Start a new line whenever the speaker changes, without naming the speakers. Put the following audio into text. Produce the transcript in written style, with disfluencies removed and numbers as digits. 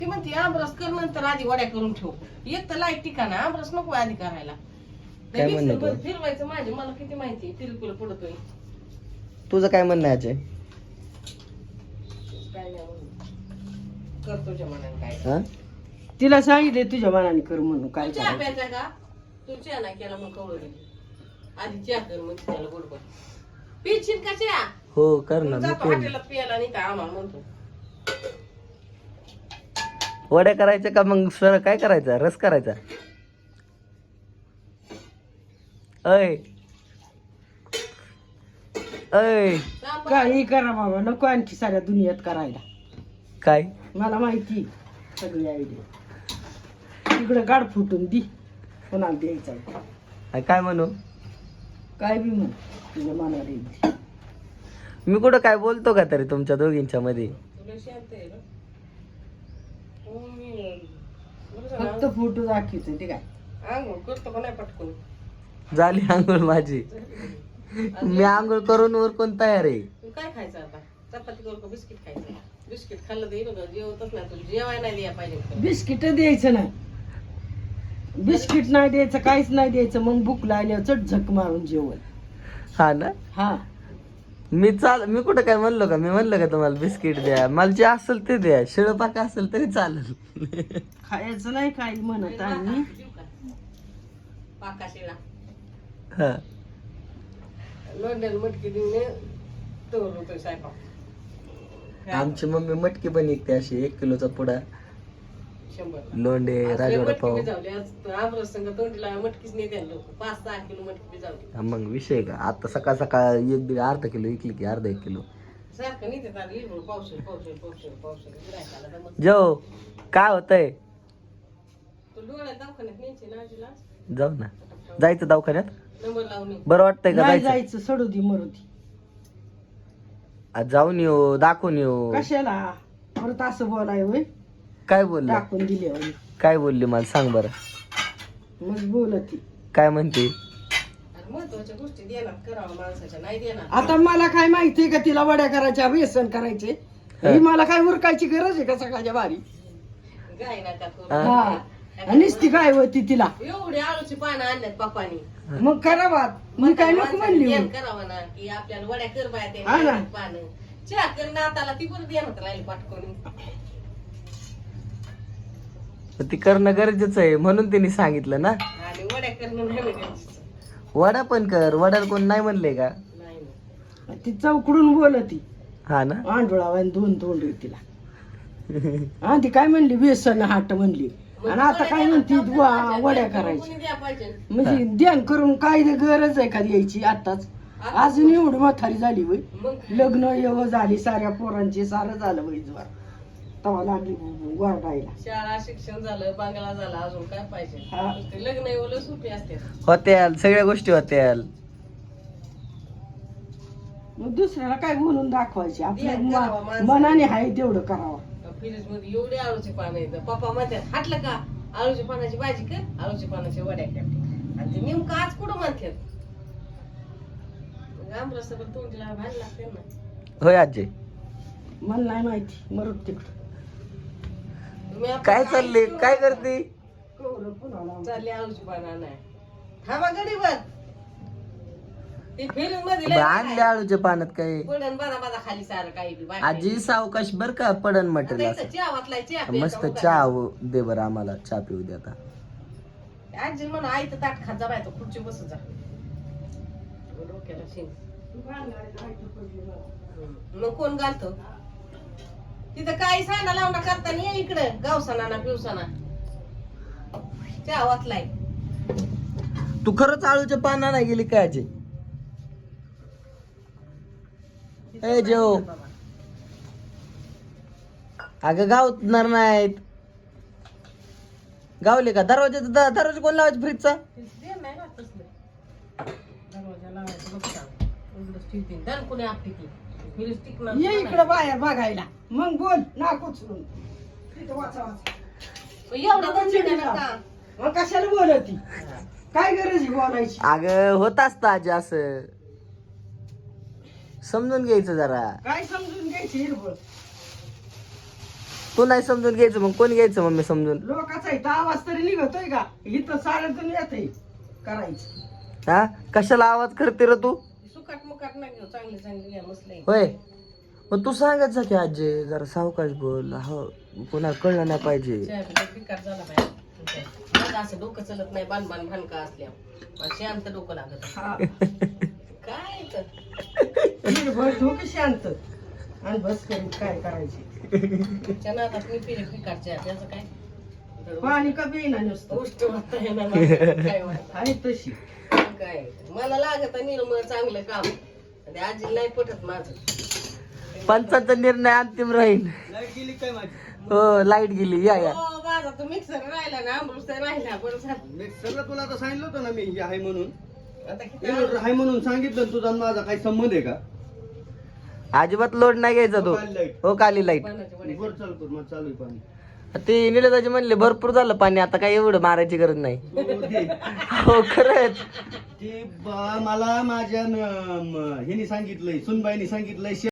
ती म्हणते आमरस कर नंतर आधी वड्या करून ठेव. एक तर लाईट ठिकाण आमरस नको आधी करायला.
काय म्हणणं तुझं?
फिरवायचं माझे मला किती माहिती तिरकुल पडतोय.
तुझं काय म्हणणं आहे अजय?
काय नाही म्हणून कर तुझ्या मनाने काय.
हा?
तिला सांगितले तुझ्या मनाने कर म्हणून काय
तू चहा
करायचं.
प्यायचा का? तू चहा नाही केला मग कवळ आधी चहा कर मग त्याला गोडबड पिशील का चहा?
हो कर ना. मी
जातो
पेन.
हॉटेलात प्यायला नाही तर आम्हाला म्हणतो
वड्या करायच्या का मग सर काय करायचा? रस करायचा? अय अय
काही करा बाबा नको आणखी साऱ्या दुनियात करायला.
काय
मला माहिती सगळी आयडिया. तिकडे गाड फुटून दी कोणाला द्यायचा
काय म्हणू?
काय बी म्हण तुझ्या मनाला येईल.
मी कुठं काय बोलतो का तरी तुमच्या दोघींच्या मध्ये?
तुला शांत आहे ना.
फक्त फोटो दाखवतो ते काय.
आंघोळ करतो का नाही पटकून.
झाली आंघोळ माझी. मी आंघोळ करून उरकून तयार आहे.
तू काय खायचं आता? चपाती करू का बिस्किट खायचं? बिस्किट खाल्लं तर येईल का? जेवतच नाही तुला जेवाय नाही द्या पाहिजे.
बिस्किट द्यायचं नाही. बिस्किट नाही द्यायचं काहीच नाही द्यायचं. मग भूक लागल्यावर चट झक मारून जेवण.
हा ना.
हा
मी कुठं काय म्हणलो का? मी म्हणलं का तुम्हाला बिस्किट द्या? मला जे असेल ते द्या. शिळं पाक असेल तरी चालेल.
खायचं नाही काही म्हणत आम्ही.
पाका शिळा
हा.
लोंड्याला मटकी देऊन तोर होतोय स्वयंपाक.
आमची मम्मी मटकी बनवते अशी 1 किलोचा पुडा
100
लोंडे राजवाडा पाव.
आमरस संग तोंडीला मटकीच नाही द्यायला लोक 5-6 किलो मटकी भिजावली.
हा मग विषय का? आता सकाळ सकाळ 1-1.5 किलो इकली की अर्धा 1 किलो.
सारखं नाही देत आता लिंबू पावशेर गिरायकाला दमत.
जो काय होतंय?
तू डोळ्यात दवाखान्यात न्यायची ना आजीला
जाऊ ना. जायचं दवाखान्यात?
नंबर लावून ये.
बरं वाटतंय का
नाही
जायचं?
जायचं सोडू दे मरू दे.
आज जाऊन येऊ दाखवून येऊ.
कशाला परत असं बोलाय होय.
काय बोलले?
टाकून दिले होय.
काय बोलली मला सांग बरं.
मग बोलती.
काय म्हणते?
आणि महत्वाच्या गोष्टी देणार करावं माणसाच्या नाही देणार.
आता मला काय माहितीये का तिला वड्या करायच्या व्यसन करायचे. ही मला काय उरकायची गरज आहे का सकाळच्या बारी.
गाय नका करू.
हा नुसती काय होती तिला.
एवढी आळूची पानं आणल्यात पप्पानी.
मग करावा. मी काय नको म्हणली
ध्यान
होय.
करावं ना की आपल्याला वड्या कर बाया ते
हा ना.
पानं चहा कर नाताला ती पण देणार राहिली पाठकून.
ती करणं गरजेचं आहे म्हणून तिने सांगितलं ना.
आणि वड्या करणं नाही गरजेचं.
वडा पण कर. वड्याला कोण नाही म्हणले का?
नाही ना.
ती चौकडून बोलती.
हा ना.
आंडोळा 2 तोंड आहे तिला. हा ती काय म्हणली व्यसन हाट म्हणली. आणि आता काय म्हणती वड्या करायची.
कोणी द्या पाहिजे.
म्हणजे ध्यान करून काय गरज आहे का यायची आताच. अजून एवढी म्हातारी झाली वय.
मग
लग्न एवढं झाली साऱ्या पोरांची सारं झालं वय ज्वार. तवा लागली वरडायला.
शाळा शिक्षण झालं बांगला झाला अजून काय पाहिजे.
हा.
नुसते लग्न एवढं सुपी असते.
होत्याल सगळ्या गोष्टी होत्याल.
मग दुसऱ्याला काय बोलून दाखवायची. आपल्या
ध्यान करावं माणसाने.
मनाने आहे तेवढं करावं.
फ्रीज मध्ये एवढे आळूचे पानं येतं. पप्पा म्हणतात हाटलं का आळूच्या पानाची भाजी कर आळूच्या पानाची वड्या कर. आणि ते नेमकं आज कुठं म्हणतात. आमरस तोंडीला भाजी लागते ना.
होय आजी.
मला नाही माहिती मरत तिकडं.
तुम्ही आता
काय चालले? काय करते?
कवरं पुन्हा
चालली आळूची पानं नाही थांबा गडीवर. ते फ्रीज मध्ये
आणले आळूच्या पानात काय?
पडन बाजा खाली सारं काही बी बाकी.
आजी सावकाश बर का पडन
आता
म्हटलं
इथं
असं.
चहा वाटलाय चहा प्यायचा
मस्त
उगाच.
चहा दे बरं आम्हाला. चहा पिऊ दे आता.
आजी म्हणा आई तर ताट खात जा बाय तो खुर्ची बस जा. डोक्याला शिंग. मग कोण घालतो तिथं काही सांडा लावणं करताना ये इकडं गावसाना ना पिवसाना चहा वाचलाय.
तू खरंच आळूच्या पाना नाही गेली काय आजी? ए जेव. अगं गावणार नाहीत. गावले का? दरवाजा कोण लावायचा फ्रीजचा?
ये इकडं बाहेर बघायला. मग बोल नाक उचलून. तिथं वाचा वाचा. मग कशाला बोलती? काय गरज आहे बोलायची?
अगं होत असतं आजी असं. समजून घ्यायचं जरा.
काय समजून घ्यायची हिरबळ.
तू नाही समजून घ्यायचं मग कोण घ्यायचं मम्मी समजून?
लोकांचा इथं आवाज तरी निघतोय का? इथं साऱ्यातून येतंय करायचं.
हा कशाला आवाज करते रे तू?
सुकाट मुकाट नाही घेऊ, चांगली चांगली घ्या मस्त आहे.
होय मग तू सांगायचं की आजी जरा सावकाश बोल, हो पुन्हा कळलं नाही पाहिजे.
चहा पिला फिकाट झाला पाहिजे. माझं असं डोकं चलत नाही, बाण भानका असल्यावर शांत डोकं लागत.
हा.
काय तर
निर्भय डोकं शांत आणि बस करून काय करायचे.
त्या नादात मी पिले फिकाट चहा, त्याचं काय
पाणी का येईना नुसतं
गोष्ट होता येणार मला काय वाटत
आहे तशी.
काय मला लागत निर्मळ चांगलं काम. ते आजी नाही पटत माझं.
पंचाचा निर्णय अंतिम राहील. हो लाईट गेली. या या
हो माझा तो मिक्सर राहिला ना, अमृत राहिला. बरं झालं.
मिक्सरला तुला आता सांगितलं होतं ना मी हे आहे म्हणून.
आता किती
इन्व्हर्टर आहे म्हणून सांगितलं. तुझा आणि माझा काही संबंध आहे का?
अजिबात लोड नाही घ्यायचा तो.
काली लाईट.
हो काली लाईट.
पाण्याचे वडे.
वर चालू कर, मग चालू आहे पाणी.
ते निलेदाजी म्हणले भरपूर झालं पाणी, आता काय एवढं मारायची गरज नाही.
हो, दे.
हो खरंच.
मला माझ्या हिने सांगितलंय, सुनबाईने सांगितलंय